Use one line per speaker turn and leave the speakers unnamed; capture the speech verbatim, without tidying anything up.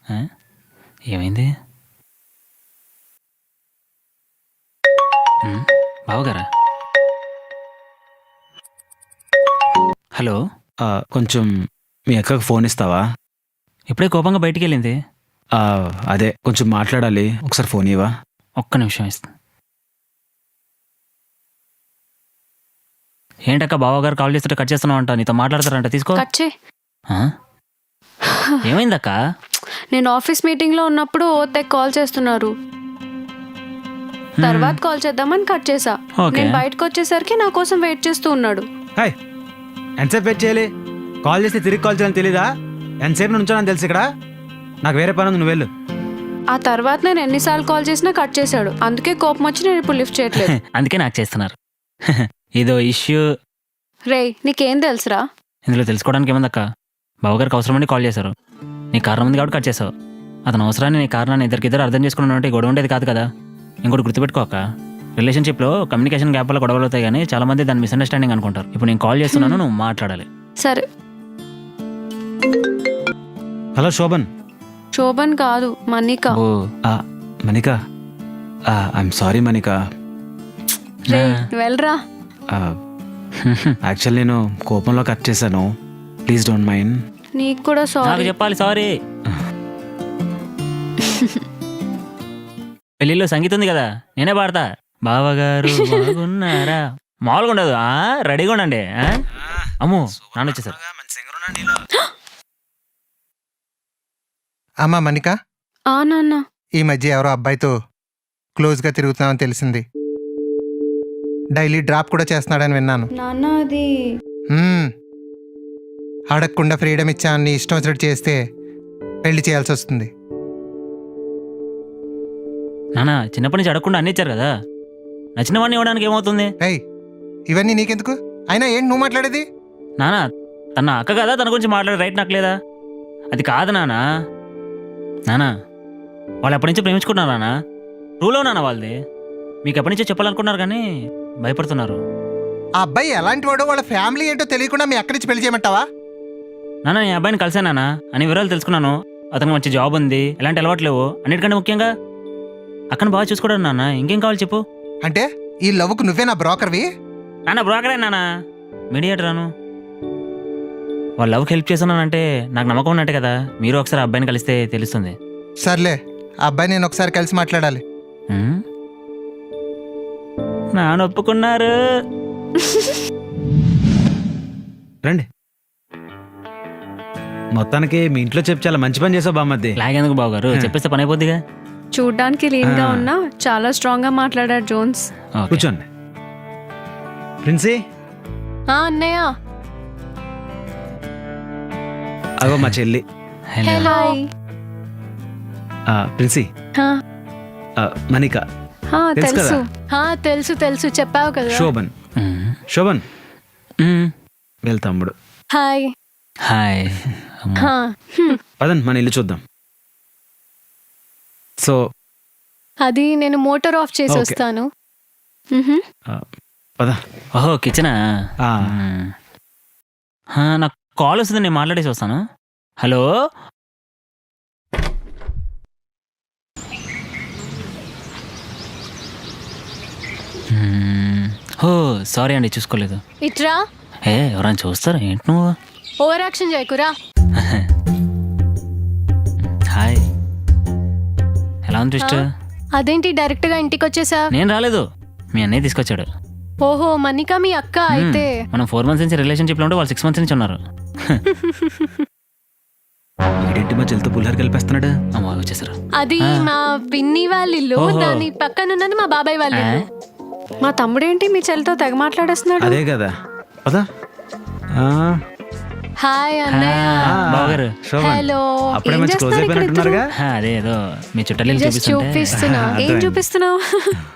ఆ? ఏమైంది? ఉమ్, బావగారా? హలో.
ఆ, కొంచెం మీ అక్కకు ఫోన్ ఇస్తావా?
ఇప్పుడే కోపంగా బయటికి వెళ్ళింది.
ఆ, అదే కొంచెం మాట్లాడాలి, ఒకసారి ఫోన్ ఇవ్వా?
ఒక్క నిమిషం ఇస్తా. ఏంటక్క బావగారు కాల్ చేస్తుంటే కట్ చేస్తున్నావు అంట, నీతో మాట్లాడతారంట, తీసుకో.
కట్ చేయి.
ఆ? ఏమైందక్క?
నేను ఆఫీస్ మీటింగ్ లో ఉన్నప్పుడు ఓతే కాల్ చేస్తున్నారు. తర్వాత కాల్ చేద్దామని కట్ చేసా.
ఓకే.
నేను బయటకు వచ్చేసరికి నా కోసం వెయిట్ చేస్తూ ఉన్నాడు.
హాయ్, ఎంతసేపు వెయిట్ చేయాలి? కాల్ చేస్తే తిరిగి కాల్ చేయాలని తెలీదా? ఎంతసేపు నుంచోనని తెలుసు ఇక్కడ. నాకు వేరే పని ఉంది, నువ్వు వెళ్ళు.
ఆ తర్వాత నేను ఎన్నిసార్లు కాల్ చేసినా కట్ చేశాడు. అందుకే కోపం వచ్చి నేను ఇప్పుడు లిఫ్ట్ చేయట్లేదు.
అందుకే నాకు చేస్తున్నారు. ఇదో ఇష్యూ.
రేయ్, నీకేం తెలుసురా?
ఇందులో తెలుసుకోవడానికి ఏముందక్క? బావగారికి అవసరమని కాల్ చేశారు, నీ కారణం ఉంది కాబట్టి కట్ చేసావు. అతని అవసరాన్ని నీ కారణాన్ని ఇద్దరికిద్దరు అర్థం చేసుకుని ఉంటే గొడవ ఉండేది కాదు కదా. ఇంకోటి గుర్తుపెట్టుకోక, రిలేషన్షిప్లో కమ్యూనికేషన్ గ్యాప్ వల్ల గొడవలు అవుతాయి, కానీ చాలా మంది దాన్ని మిస్అండర్స్టాండింగ్ అనుకుంటారు. ఇప్పుడు నేను కాల్ చేస్తున్నాను, నువ్వు మాట్లాడాలి.
సరే.
హలో శోభన్.
శోభన్ కాదు, మనిక.
ఓ
ఆ, మనిక. I'm sorry Manika.
రే వెళ్ళరా.
యాక్చువల్ నేను కోపంలో కట్ చేశాను, ప్లీజ్ డోంట్ మైండ్.
నీకు కూడా
నాకు
సారీ.
చెప్పాలి సారీ. పెళ్ళిలో సంగీతం ఉంది కదా, నేనే పాడతా. బావగారు బాగున్నారా, మామూలుగా ఉండదు. ఆ, రెడీగా ఉండండి. ఆ? అమ్మో, నాన్న వచ్చేసారు.
అమ్మా మనిక,
ఆ నాన్న.
ఈ మధ్య ఎవరో అబ్బాయితో క్లోజ్గా తిరుగుతున్నామని తెలిసింది. డైలీ డ్రాప్ కూడా చేస్తున్నాడని విన్నాను.
నాన్న అది
మ్మ్. అడగకుండా ఫ్రీడమ్ ఇచ్చా నీ ఇష్టం వచ్చినట్టు చేస్తే పెళ్లి చేయాల్సి వస్తుంది.
నాన్న చిన్నప్పటి నుంచి అడగకుండా అన్ని ఇచ్చారు కదా, నచ్చిన వాడిని ఇవ్వడానికి ఏమవుతుంది?
ఏయ్, ఇవన్నీ నీకెందుకు? అయినా ఏంటి నువ్వు మాట్లాడేది?
నాన్న తన అక్క కదా, తన గురించి మాట్లాడే రైట్ నాకు లేదా? అది కాదు నాన్న. నాన్న వాళ్ళు ఎప్పటి నుంచో ప్రేమించుకున్నారు నాన్న, రూలో నాన్న వాళ్ళది. మీకు ఎప్పటి నుంచో చెప్పాలనుకున్నారు కానీ భయపడుతున్నారు.
ఆ అబ్బాయి ఎలాంటి వాడో వాళ్ళ ఫ్యామిలీ ఏంటో తెలియకుండా మీ అక్కడి నుంచి పెళ్లి చేయమంటావా?
నాన్న నేను అబ్బాయిని కలిసాను నాన్న, అన్ని వివరాలు తెలుసుకున్నాను. అతనికి మంచి జాబ్ ఉంది, ఎలాంటి అలవాటు లేవు, అన్నిటికంటే ముఖ్యంగా అక్కను బాగా చూసుకోవడం. నాన్న ఇంకేం కావాలి చెప్పు.
అంటే ఈ లవ్కు నువ్వే నా బ్రోకర్వి?
నాన్న బ్రోకరే నాన్న, మీడియేటర్ రాను. వాళ్ళ లవ్కి హెల్ప్ చేస్తున్నానంటే నాకు నమ్మకం ఉన్నట్టే కదా. మీరు ఒకసారి అబ్బాయిని కలిస్తే తెలుస్తుంది.
సర్లే, ఆ అబ్బాయి నేను ఒకసారి కలిసి మాట్లాడాలి.
ఉమ్? నాన్న ఒప్పుకున్నారు.
రండి. మొత్తానికి మీ ఇంట్లో చెప్పి చాలా మంచి పని చేసావు బామ్మద్ది.
లాగేందుకు బావగారు, చెప్పేస్తే పని అయిపోద్దిగా.
చూడ్డానికి లీన్ గా ఉన్నా చాలా స్ట్రాంగ్ గా మాట్లాడాడు జోన్స్.
ఓకే.
కూర్చోండి. ప్రిన్సీ,
ఆ అన్నయ్య.
అగో మా చెల్లి.
హలో.
హాయ్.
ఆ, ప్రిన్సీ,
హా,
ఆ, మనిక,
హా,
తెలుసు
తెలుసు.
కదా?
హా, తెలుసు తెలుసు చెప్పావు కదా.
శోభన్.
ఉమ్.
శోభన్
ఉమ్.
వీళ్ళ తమ్ముడు.
హాయ్.
హాయ్. అమ్మో.
హా, హ్మ్.
పదండి మన ఇల్లు చూద్దాం. సో
అది నేను మోటార్ ఆఫ్ చేసి
ఓకే.
వస్తాను. మ్హూ.
ఆ, పద.
ఓహో కిచెనా?
ఆ,
ఉమ్. హా, నాకు కాల్ వస్తుంది, నేను మాట్లాడేసి వస్తాను. హలో. ఉమ్. ఓ సారీ అండి, చూసుకోలేదు.
ఇట్రా.
ఏ ఎవరైనా చూస్తారా ఏంటి నువ్వు?
Over action చేయకురా.
హాయ్, ఎలా ఉంది ట్విస్ట్?
అదేంటి డైరెక్ట్ గా ఇంటికి వచ్చేసా?
నేను రాలేదు, మీ అన్నయ్య తీసుకొచ్చాడు.
ఓహో మనిక మీ అక్క అయితే.
మనం ఫోర్ మంత్స్ నుంచి రిలేషన్షిప్లో ఉంటే వాళ్ళు సిక్స్ మంత్స్ నుంచి ఉన్నారు.
వీడేంటి మా చెల్లితో పుల్లారు కలిపేస్తున్నాడు?
అమ్మ వచ్చేసారు.
అది మా పిన్ని వాళ్ళ ఇల్లు,
ఓహో.
దాని పక్కన ఉన్నది మా బాబాయ్ వాళ్ళ ఇల్లు. మా తమ్ముడేంటి మీ చెల్లితో తెగ మాట్లాడేస్తున్నాడు.
అదే కదా. పద. ఆ,
హాయ్ అన్నయ్య.
ఆ,
బావగారు.
శోభన్.
హలో.
అప్పుడే
ఏం
మంచి క్లోజ్
చేస్తున్నారు ఇక్కడ
అయిపోయినట్టున్నారుగా.
హా, అదే ఏదో మీ చుట్టాలు
జస్ట్
చూపిస్తుంటే.
చూపిస్తున్నా. ఏం
అర్థమైంది.
చూపిస్తున్నావు?